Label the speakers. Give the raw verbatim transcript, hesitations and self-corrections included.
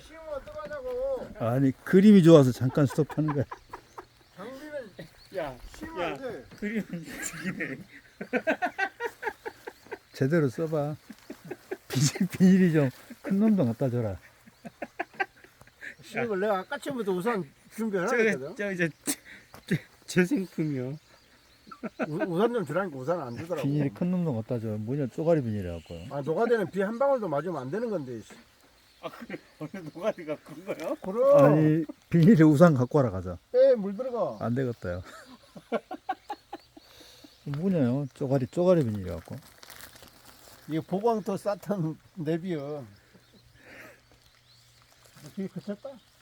Speaker 1: 씌우면 어떡하냐고.
Speaker 2: 아니 그림이 좋아서 잠깐 스톱하는 거야.
Speaker 1: 장비는
Speaker 3: 야,
Speaker 1: 씌우면
Speaker 3: 야,
Speaker 1: 안 돼.
Speaker 3: 그림은 죽이네.
Speaker 2: 제대로 써봐. 비닐, 비닐이 좀 큰 놈도 갖다 줘라.
Speaker 1: 씌우면 내가 아까 처음부터 우산 준비해놔
Speaker 3: 저,
Speaker 1: 했거든.
Speaker 3: 저 이제 제, 제 생품이요.
Speaker 1: 우산 좀 주라니까 우산 안 주더라고.
Speaker 2: 비닐이 큰 놈도 갖다 줘. 뭐냐 쪼가리 비닐이라고.
Speaker 1: 아 노가대는 비 한 방울도 맞으면 안 되는 건데. 씨.
Speaker 3: 아, 그래, 오늘 노가리가 큰 거요?
Speaker 1: 그럼
Speaker 2: 아니 비닐에 우산 갖고 와라 가자.
Speaker 1: 에물 들어가.
Speaker 2: 안 되겠다요. 뭐냐요? 쪼가리 쪼가리 비닐이라고.
Speaker 1: 이거 보광토 사탄 내비요. 뒤에 그쳤다?